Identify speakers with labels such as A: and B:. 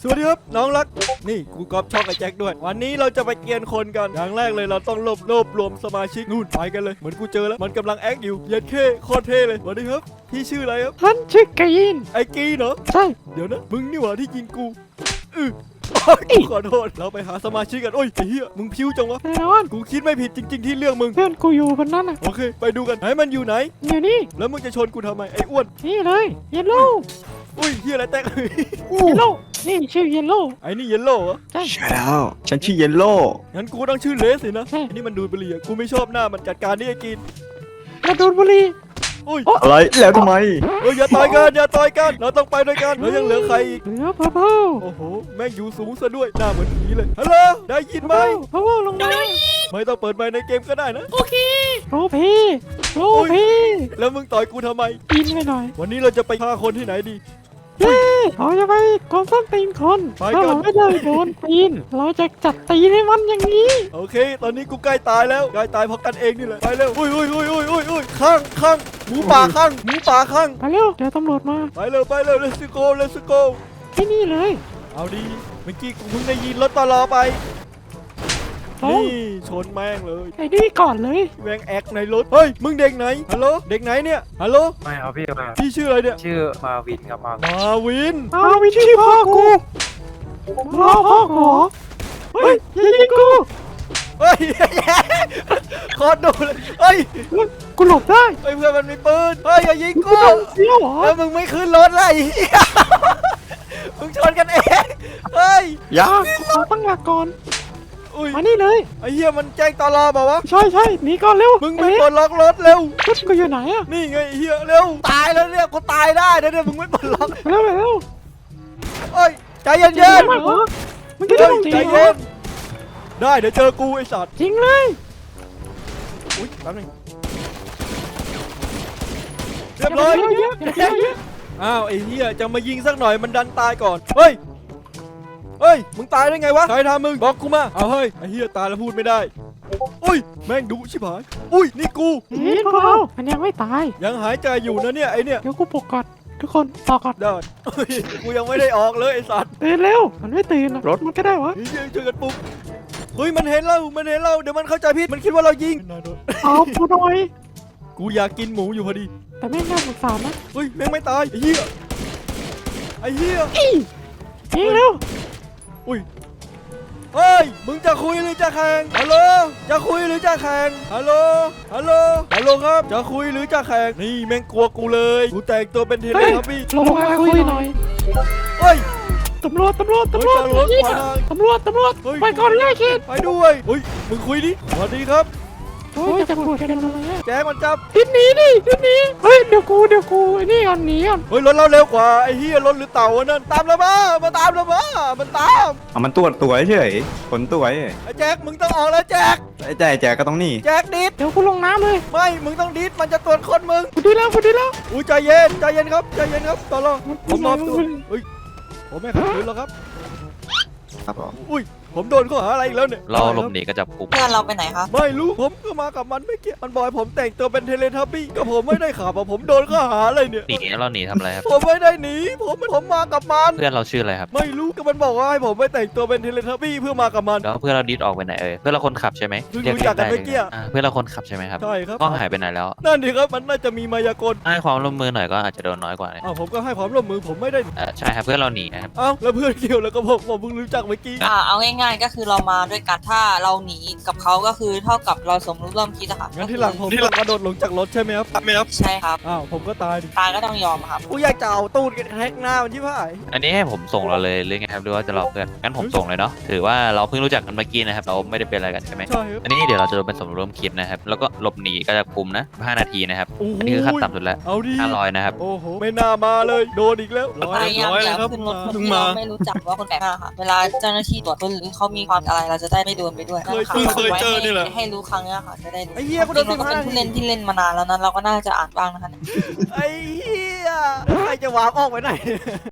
A: สวัสดีครับน้องรักนี่กูก๊อปช่องไอ้แจ็คด้วยวันนี้เราจะไปเกียนคนกันอย่างแรกเลยเราต้องรวบรวมสมาชิกนู่นไปกันเลยเหมือนกูเจอแล้วมันกำลังแอคอยู่เย็นเข้โคตรเท่เลยสวัสดีครับพี่ชื่ออะไรครับ
B: ฉันชื่อกรีน
A: ไอ้กีเนาะ
B: ใช่
A: เดี๋ยวนะมึงนี่หว่าที่ยิงกูขอโทษเราไปหาสมาชิกกันโอ้ยไอ้เหี้ยมึงพิ้วจังวะ
B: แน่นอน
A: กูคิดไม่ผิดจริง ๆที่เลือกมึง
B: เพื่อนกูอยู่คนนั้นน่ะ
A: โอเคไปดูกันไหนมันอยู่ไหน
B: อยู่นี่
A: แล้วมึงจะชนกูทำไมไอ้อ้วน
B: นี่เลยเยลโล่
A: อุ้ยเหี้ยอะไรแตก
B: เยลโล่นี่ชื่อเยลโล่
A: ไอ้นี่เยลโล่เหรอ
B: ใช่
C: ใช่แล้วฉันชื่อเยลโล่
A: งั้นกูต้องชื่อเลสสินะ
B: ใช่
A: ไอ้นี่มันดูดบุหรี่อะกูไม่ชอบหน้ามันจัดการนี่ไอ้กิน
B: กระโดดบุหรี่
A: อุ้ย
C: อะไรแล้วทำไม
A: เอ้ยอย่าต่อยกันอย่าต่อยกันเราต้องไปด้วยกันแล้วยังเหลือใครอีก
B: เหลือพะเพา
A: โอ้โหแม่งอยู่สูงซะด้วยหน้าเหมือนผีเลยฮัลโหลได้ยินไหม
B: พะเพาลงมา
A: ไม่ต้องเปิดไมค์ในเกมก็ได้นะ
B: โรพีโรพี
A: แล้วมึงต่อยกูทำไม
B: ปีนไปหน่อย
A: วันนี้เราจะไปฆ่าคนที่ไหนดี
B: เย้เราจะไปกองส้นตีนคน
A: ไปกัน
B: ถ้าเราไม่ได้โดนตีนเราจะจัดตีนให้มันอย่างนี้
A: โอเค ตอนนี้กูใกล้ตายแล้วใกล้ตายเพราะกันเองนี่แหละไปเร็วอุ้ยข้างหมูป่าข้าง
B: ไปเร็วเดี๋ยวตำรวจมา
A: ไปเร็วlet's go
B: ที่นี่เลย
A: เอาดีเมื่อกี้กูเพิ่งได้ยินรถตลอไป
B: ตรง
A: นี่ชนแม่งเลย
B: ไอ้นี่ก่อนเลย
A: แม่งแอกในรถเฮ้ยมึงเด็กไหนฮัลโหลเด็กไหนเนี่ยฮัลโหล
D: ไม่ครับพี่ไม่
A: พี่ชื่ออะไรเนี่ย
D: ชื่อมาวินครับมาวิน
A: มาวิน
B: เอาวิธีพ่อกูรอพ่อกูเหรอเฮ้ยอย่ายิงกู
A: เฮ้ย โคตรดูเลยเฮ้ย
B: กูหลบได้
A: เฮ้ยเพื่อนมันมีปืนเฮ้ยอย่ายิง
B: กู
A: กู
B: โดนเสี้ยวเหรอ
A: แล้วมึงไม่ขึ้นรถเลย มึงชนกันเองเฮ้ย
C: ยา
B: ขอตั้งหลักก่อน
A: อุ้ย
B: มานี่เลย
A: ไอ้เหี้ยมันแจ้งตลอบอกว่าวะ
B: ใช่หนีก่อนเร็ว
A: มึงไม่ปลดล็อกรถเร็ว
B: รถกูอยู่ไหนอะ
A: นี่ไงไอ้เหี้ยเร็วตายแล้วเนี่ยกูตายได้นะเนี่ยมึงไม่ปลดล็อก
B: ไปเร็ว
A: เฮ้ยใจเย็น
B: เย็
A: ๆ
B: นมากเหรอมึงจะ
A: เฮ้
B: ต้
A: ย
B: องจริ
A: ใจ
B: งเหร
A: เย็
B: อน
A: ได้เดี๋ยวเจอกูไอ้สัตว์
B: จริงเลย
A: อุ้ยแป๊บนึงเรียบร้อย
B: เยอะ
A: อ้าวไอ้เหี้ยจะมายิงสักหน่อยมันดันตายก่อนเฮ้ยมึงตายได้ไงวะใครทำมึงบอกกูมาเอาเฮ้ยไอ้เหี้ยตายแล้วพูดไม่ได้อุ้ยแม่งดุชิบหายอุ้ยนี่กู
B: เฮ้ยพวกเรามันยังไม่ตาย
A: ยังหายใจอยู่นะเนี่ยไอ้เนี่ย
B: เดี๋ยวกูปลุกก่อนทุกคนต่อก่อน
A: ได้เฮ้ยกูยังไม่ได้ออกเลยไอ้สัตว์
B: ตื่นเร็วมันไม่ตื่นอะรถมันก็ได้วะ
A: เฮ้ยช่วยกันปลุกเฮ้ยมันเห็นเราเดี๋ยวมันเข้าใจผิดมันคิดว่าเรายิง
B: เอากูหน่อย
A: กูอยากกินหมูอยู่พอดี
B: แต่ไม่น่าสงสารนะ
A: เฮ้ยแม่งไม่ตายไอ้เหี้ย
B: ยิงเร็ว
A: อุ้ยเฮ้ยมึงจะคุยหรือจะแข่งฮัลโหลจะคุยหรือจะแข่งฮัลโหลครับจะคุยหรือจะแข่งนี่แม่งกลัวกูเลยกูแต่งตัวเป็นเทเลทับบี้
B: ลงมาคุยหน่อย
A: เฮ้ย
B: ตำรวจ
A: เฮ้ยตำรวจขวางทาง
B: ตำรวจ
A: เฮ้ย
B: ไปก่อนเลยคิด
A: ไปด้วยเฮ้ยมึงคุยดิสวัสดีครับ
B: โอ้ยจะปวดกันอะไรอะ
A: แจ้งมันจับ
B: ทิศนี้เฮ้ยเดี๋ยวกูไอ้นี่ก่อนหนีก่อน
A: เฮ้ยรถเราเร็วกว่าไอ้เหี้ยรถหรือเต่าวะนั่นตามเรามาตามเรามามันตาม
C: เอามันตัวเฉยขนตัว
A: ไอ้แจ็คมึงต้องออกแล้วแจ็ค
C: ไอ้แจกก็ต้องนี่
A: แจ็คดิด
B: เดี๋ยวกูลงน้ำเลย
A: ไม่มึงต้องดิดมันจะตรวจคนมึง
B: กูดีแล้ว
A: อุ้ยใจเย็นครับตลอดผมมอบตัวเฮ้ยผมไม่ขัดขืนหรอกครับ
C: ครับผม
A: อุ้ยผมโดนข้อหาอะไรอีกแล้วเนี่ย
E: เราหลบหนีก็จับกุม
F: เพื่อนเราไปไหนคะ
A: ไม่รู้ผมก็มากับมันไม่เกี่ยวมันบอกให้ผมแต่งตัวเป็นเทเลทับบี้ก็ผมไม่ได้ขับอะผมโดนข้อหาอะไรเนี่ย
E: หนีเราหนีทำอะไรครับ
A: ผมไม่ได้หนีผมมากับมัน
E: เพื่อนเราชื่ออะไรครับ
A: ไม่รู้ก็มันบอกว่าให้ผมไปแต่งตัวเป็นเทเลทับบี้เพื่อมากับมัน
E: แล้วเพื่อนเราดิสออกไปไหนเอ่ยเพื่อนเราคนขับใช่ไหม
A: เพิ่ง
E: เรียก
A: รู้จักกัน
E: ได้
A: เมื่อกี้
E: เพื่อนเราคนขับใช่ไหมครับ
A: ใช่ครับ
E: ก็หายไปไหนแล้ว
A: นั่นดิครับมันน่าจะมีมายากล
E: ให้ความร่วมมือหน่อยก็อาจจะโดนน้อยกว่าเนี่ย
A: อ้าวผมก็ให้ความร่วมมือผมไม่ได้
E: ใช่ครับเพื่อนเราหนีนะครับ
A: เอ้าแล้วเพื่อนเกี่ยวแล้วก็ผมเพิ่งรู้จักเมื่อกี้
F: เอาง่ายๆ ก็คือเรามาด้วยกันถ้าเราหนีกับเขาก็คือเท่ากับเราสมรู้ร่วมคิดอะค่ะ
A: งั้นที่หลังผมต้องกระโดดลงจากรถใช่ไหมครับ
F: ใช่ครับ
A: อ้าวผมก็ตายดิ
F: ตายก็ต้องยอมครับ
A: กูอยากจะเอาตูดกันแท็กหน้ามันที่พ่าย
E: อันนี้ให้ผมส่งเราเลยหรือไงครับหรือว่าจะรอเพื่อนงั้นผมส่งเลยเนาะถือว่าเราเพิ่งรู้จักกันเมื่อกี้นะครับเราไม่ได้เป็นอะไรกันใช่ไหม
A: ใช่ครับ
E: อันนี้เดี๋ยวเราจะโดนเป็นสมรู้ร่วมคิดนะครับแล้วก็หลบหนีก็จะกุมนะ5 นาทีนะครับ
A: โอ้โห
E: อันนี้คือขั้นต่ำสุดแล้ว
A: เอาดิ
E: 500นะครับ
A: โอ้โหไม่น่ามาเลยโดนอีกแล้ว
F: พยายามอย่าขึ้นรถคนที่เราไม่รู้จักว่าคนแปลกหน้าค่ะ เวลาเจ้าหน้าที่ตรวจคนหรือเขามีความอะไรเราจะได้ไม่โดนไปด้วยให้รู้ครั้งนี้ค่ะจะได้รู้
A: ไอ้เหี้ยกูโดน
F: จริงๆเราก็เป็นผู้เล่นที่เล่นมานานแล้วนั้นเราก็น่าจะอ่านบ้างนะคะ
A: ไอ้เหี้ยใครจะวาร์ปออกไปไหน